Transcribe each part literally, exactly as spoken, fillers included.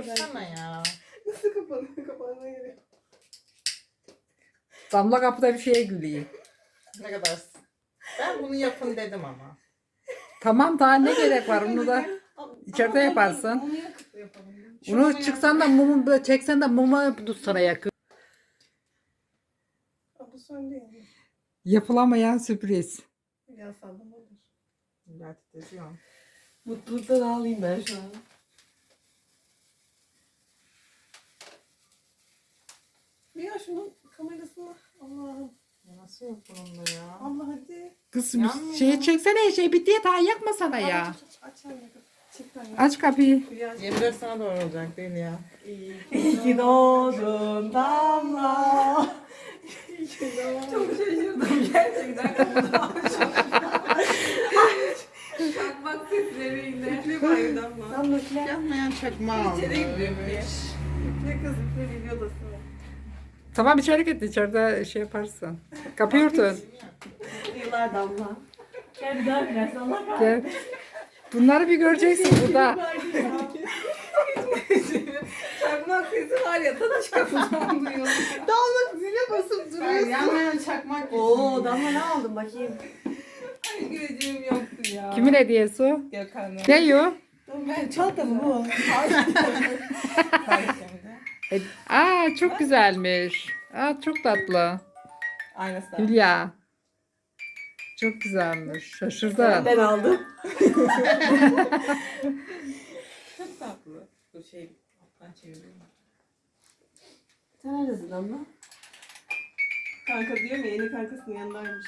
kapatsana ya. Nasıl kapanıyor? Kapanma gerekiyor. Damla kapıda bir şeye gülüyor. Ne kadar. Ben bunu yapın dedim ama. Tamam daha ne gerek var onu da içeride Ama yaparsın. Onu yakıp yapalım. Bunu çıksan da mumu böyle çeksen de muma tutsana yakın. Aa, bu son değil mi? Yapılamayan sürpriz. Ya sallama olur. Ya titriyorum. Mutluluktan ağlayayım ben şu an. Ya şunun kamerasını Allah'ım. Ya nasıl yok bunun da ya? Allah hadi. Kız Yanmıyor. şeyi çeksene şey bitti ya daha yakmasana ya. Aç aç aç. Çek tane. Aç kapıyı. yirmi dört sana doğru olacak değil ya. İyi ki doğdun Damla. İyi ki doğdun. Çok şaşırdım gerçekten. Çakmak sesleriyle. Üfle bari Damla. Damla üfle. Yanmayan çakma İçeri gidiyorum almış. Üfle kız üfle video odasına. Tamam içeri git içeride şey yaparsın. Kapıyı örtün. Yıllar Damla. Gel bir daha biraz Allah kahretsin. Gel. Bunları bir göreceksin burada. Çakmak sesi var ya tadaş kapıdan duyuyorum. Damla zile basıp duruyorsun. Yanmayan çakmak. Oo Damla ne aldın bakayım. Ay güleceğim yoktu ya. Kimin hediyesi o? Gökhan'ın. Ne o? Ben çanta mı bu? E- Aa çok güzelmiş. Aa çok tatlı. Aynısı. Hülya. Çok güzelmiş. Şaşırdım. Ben aldım. Çok tatlı. Bu şey alttan çeviriyorum. Sen neredesin Damla? Kanka diyor ya yeni kankasının yanındaymış.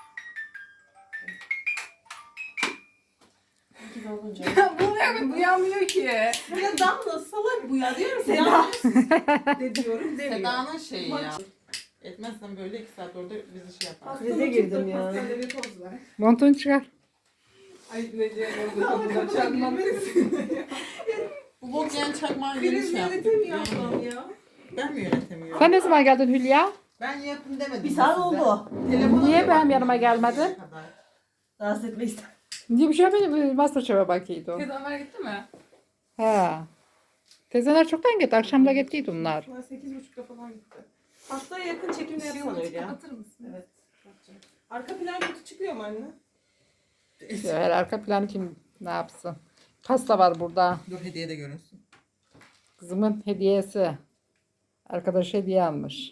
İki de olunca. Bu evet uyanmıyor ki. Ya Damla salak bu ya diyorum Seda. De diyorum demiyor. Seda'nın şeyi ya. Etmezsen böyle iki saat orada bizi şey yapar. Krize girdim ya. Pastanede bir toz ver. Montunu çıkar. Ay ne diyeceğim orada kapıda çakmak sesi. Bu bok yiyen çakmağı yeni Kriz şey yaptı. yönetemiyor ablam ya. Ben mi yönetemiyorum? Sen ne zaman geldin Hülya? Ben yapın demedim. Bir mi saat size? oldu. Telefona Niye da benim bakmadım yanıma gelmedin? şimdiye kadar. Rahatsız etmek istedim. Niye bir şey yapayım? Masterchef'e bakıydı o. Kız Ömer gitti mi? Ha. Tezeler çoktan gitti. Akşam da gittiydi onlar. Ben sekiz buçukta falan gitti. Haftaya yakın çekimde yapsan öyle ya. Kapatır mısın? Evet. yapacağım. Arka plan kötü çıkıyor mu anne? Her arka planı kim ne yapsın? Pasta var burada. Dur hediye de görünsün. Kızımın hediyesi. Arkadaş hediye almış.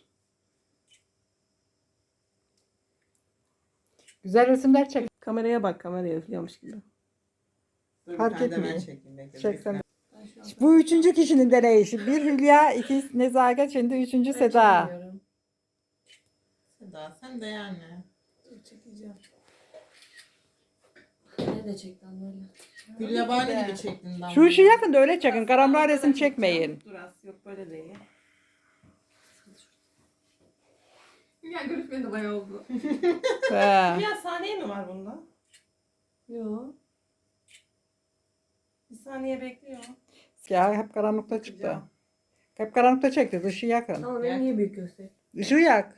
Güzel resimler çek. Kameraya bak kameraya üflüyormuş gibi. Dur bir Fark tane de ben etmiyor. çekeyim. Bekle, Çeksen. bekle. Bu üçüncü kişinin deneyişi. Bir Hülya, iki Nezaket, şimdi üçüncü Seda. Çekmiyorum. Seda sen de yani. Dur çekeceğim. Beni de çek Damla öyle. Gülyabani gibi çektin lan. Şu işi yakın da öyle çekin. Karamlar resim çekmeyin. Dur az yok böyle değil. Ya görüşmeye de bayağı oldu. He. Ya saniye mi var bunda? Yok. Bir saniye bekliyor. Ya hep karanlıkta çıktı. Hep karanlıkta çekti. Dışı yakın. Ama beni niye büyük göster? Işığı yak.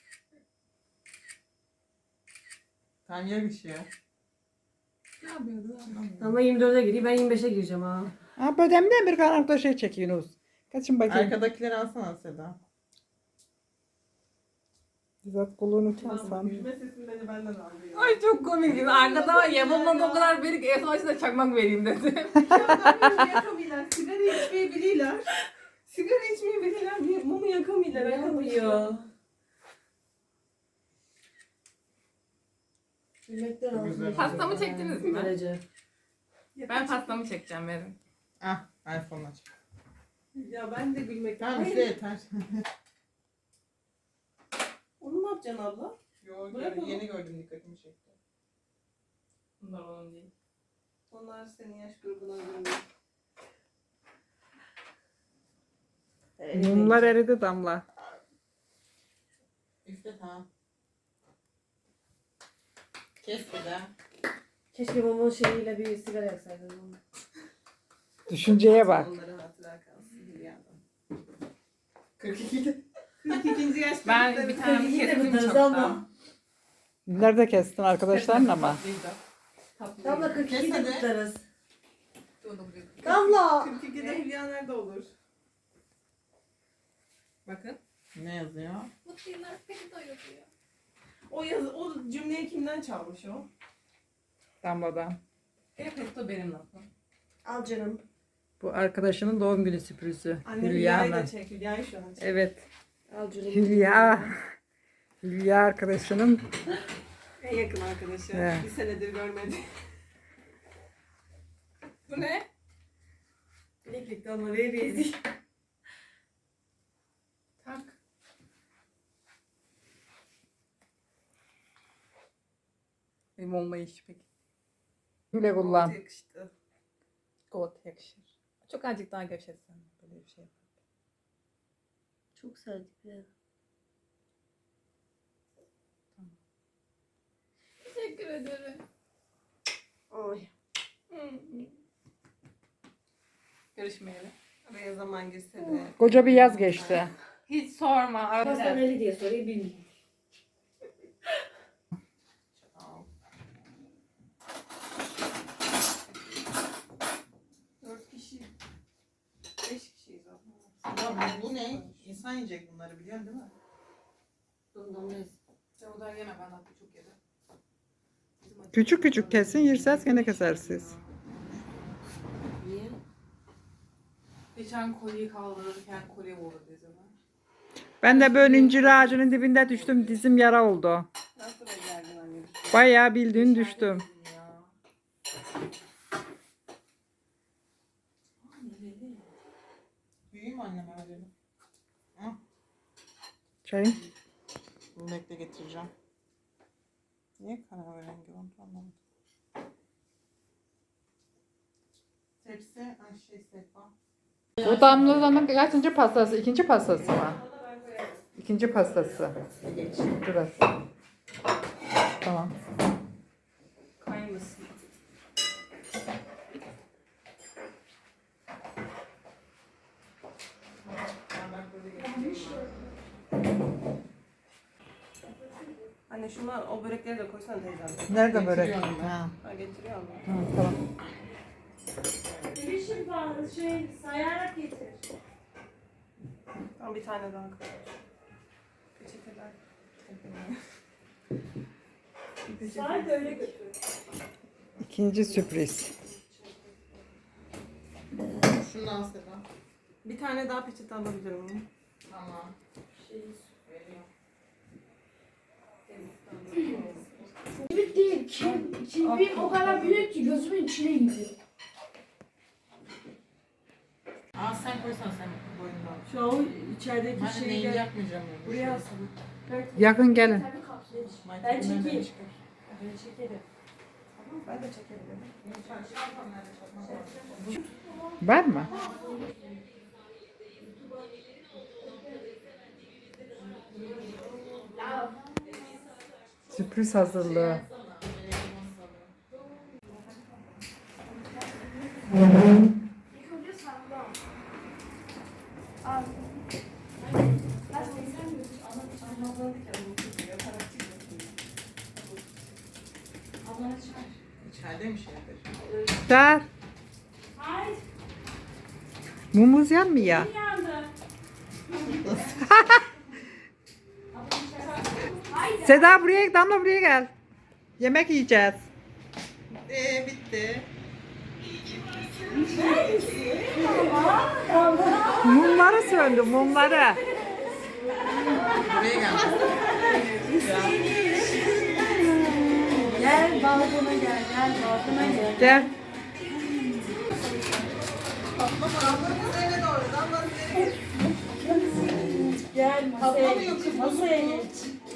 Tanya bir şey. Ne yapıyordu? Damla yirmi dörde giriyor, ben yirmi beşe gireceğim ha. Ha bödemden bir karanlıkta şey çekiyorsunuz. Kaçın bakayım. Arkadakileri alsana Seda. Bizzat kulluğunu çalsam. Gülme sesini beni benden aldı ya. Ay çok komik. Arkada var yapılmadı o kadar beri ki en son açıda çakmak vereyim dedim. Mumu yakamıyorlar. Sigara içmeyi biliyorlar. Sigara içmeyi biliyorlar. bir Mumu yakamıyorlar. Yapıyor. Gülmekten Çok ağzım güzel. acıyor. Pastamı çektiniz mi? Derece. Ben pastamı çekeceğim verin. Ah iPhone aç. Ya ben de gülmekten. Tamam Hayır. işte yeter. Onu ne yapacaksın abla? Yo, Bırak onu. yeni gördüm dikkatimi çekti. Bunlar onun değil. Onlar senin yaş grubuna göre. Mumlar eridi Damla. Üfle tamam. Kes Seda. Keşke mumun şeyiyle bir sigara yaksaydın. Düşünceye bak. Onlara hatıra kalsın Hülya'dan. kırk ikide. kırk ikinci yaş Ben grubunda bir bir tane Kırk iki de kestim kutlarız çoktan. ama. Nerede kestin arkadaşların ama? Damla kırk iki de Kes hadi. kutlarız. Dur, dur, dur. Damla. kırk ikide Hülya nerede olur? Bakın. Ne yazıyor? Mutlu yıllar peki doyuruyor. O yazı, o cümleyi kimden çalmış o? Damladan. Hep petto benim lafım. Al canım. Bu arkadaşının doğum günü sürprizi. Anne Hülya'nın. Hülya'yı da çek. Hülya'yı şu an çek. Evet. Al canım. Hülya. Hülya arkadaşının En yakın arkadaşı. Evet. Bir senedir görmedi. Bu ne? Bileklik damla veririz. Tak. Benim olma iş peki. güle kullan. Yakıştı. Got yakışır. Çok azıcık daha gevşetsen böyle bir şey. Çok serdik ya. Teşekkür ederim. Ay. Görüşmeyelim. Araya zaman girse de. Koca bir yaz geçti. Hiç sorma. Arada Pastaneli diye soruyu bilmiyorum. Dört kişi. Beş kişiyiz abla. Ya bu, bu ne? İnsan yiyecek bunları biliyorsun değil mi? Bundan neyse. Sen o da yeme ben hatta çok yedim. Küçük küçük kesin yerseniz gene kesersiniz. Niye? Geçen kolyeyi kaldırırken kolye vurdu dizime. Ben de böyle incir ağacının dibinde düştüm. Dizim yara oldu. Nasıl becerdin anne? Bayağı bildiğin düştüm. Ya. Büyüğüm anneme verelim. Çayın. Bunu bekle getireceğim. Niye kahverengi oldu anlamadım. Tepsi, ay şey sehpa. Bu damlanın kaçıncı pastası? İkinci pastası mı? İkinci pastası. Biraz. Tamam. Kaymasın. Anne şuna o börekleri de koysana teyzem. Nerede börek? Getiriyorum ben. Ha, Ha getiriyor mu? ha, tamam. Bilişim bağlı şey sayarak getir. Tamam bir tane daha koy. Peçeteler. Say böyle götür. İkinci sürpriz. Şundan Seda. Bir tane daha peçete alabilir miyim? Tamam. Büyük değil. Kim, kibriğim o kadar büyük ki gözümün içine gidiyor. Aa sen koysan sen boyundan. Şu an o içerideki Ben de neyi şeyi yakmayacağım yani. buraya alsana. Yakın gelin. Tabii kapsaymış. Ben Bunları da çekeyim. çıkar. Ben çekerim. Tamam ben de çekebilirim. Var mı? Sürpriz hazırlığı. İlk önce sandal. Al. Ben sen mi? Ablana çıkar. İçeride mi şey yapıyor? Der. Hayır. Mumuz yanmıyor. Yandı. Haydi. Seda buraya, Damla buraya gel. Yemek yiyeceğiz. Eee bitti. Mumları söndü, mumları. Buraya gel. Gel balkona gel, gel balkona gel. Gel. Gel masaya geç. Masaya geç.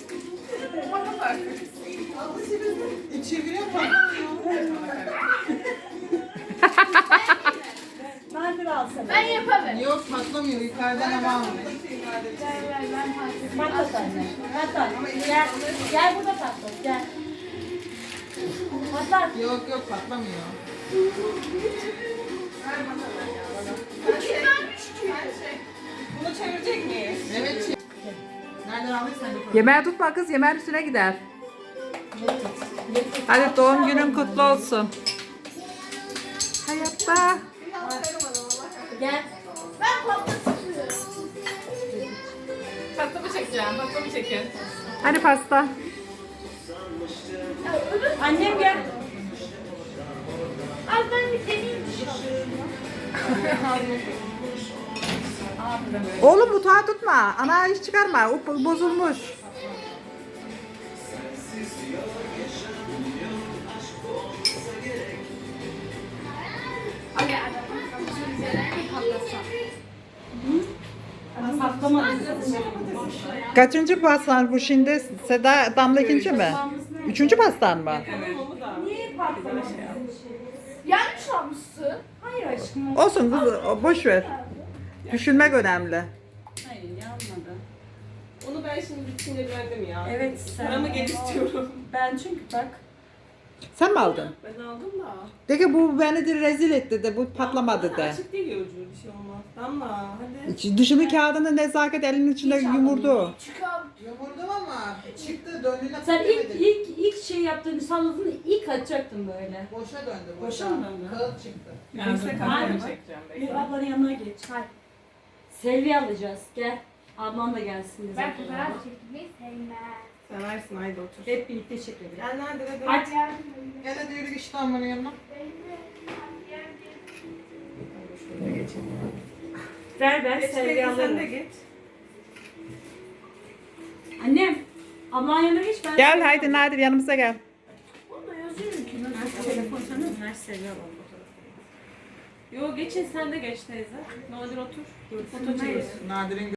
İçeviriyor patlamıyor. Nadir al sana. Ben yaparım. Yok patlamıyor yukarıdan ama almıyor. Ver ver ben patlatayım. Patlat anne. Patlat. Gel. Gel burada patlat. Gel. Patlat. Yok yok patlamıyor. Bunu çevirecek miyiz? Evet. Şey. Nereden aldıysan bir koy. Yemeği tutma kız, yemeğin üstüne gider. Hadi doğum günün kutlu olsun. Hayatta. Gel. Ben pasta sıkıyorum. Pastamı çekeceğim. Pastamı çekin. Hadi pasta. Ya öbür Annem gel. az ben bir deneyeyim dışarı. Oğlum mutfağı tutma. Ana iş çıkarma. O bo- bozulmuş. Hadi hadi. Kaçıncı pastan bu şimdi? Seda Damla ikinci mi? Üçüncü pastan mı? Niye patlamış? Yanlış almışsın. Hayır aşkım. Olsun kız, o- boş ver. Düşünmek önemli. Hayır yanmadı. Onu ben şimdi sinirlendim ya. Evet sen. Paramı geri istiyorum. Ben çünkü bak. Sen mi aldın? Ben aldım da. De ki bu beni de rezil etti de bu patlamadı de. Açık değil ya ucu bir şey olmaz. Damla hadi. İç- Dışını kağıdını nezaket elinin içinde yumurdu. Çıkar. Yumurdum ama çıktı döndüğüne Sen ilk ilk ilk şey yaptığını salladın ilk açacaktın böyle. Boşa döndü. Boşa mı döndü? Kağıt çıktı. Ben size kahve Aynen. çekeceğim. Bir Bekle. ablanın yanına geç. Hadi. Selvi alacağız. Gel. Ablan da gelsin. Ben bize. fotoğraf çekmeyi sevmem. Seversin haydi otur. Hep birlikte çekelim. Gel nerede de Hadi. Gel hadi yürü işte amının yanına. Şöyle geçelim. Ver ben Geç Selvi teyze sen de alırım. geç. Annem. Ablan yanına geç ben. Gel Selvi haydi alırım. Nadir yanımıza gel. Burada yazıyor ki. Ben telefon sanıyorum. Her Selvi alalım fotoğrafı. Yo geçin sen de geç teyze. Nadir otur. Foto çekin. Nadir'in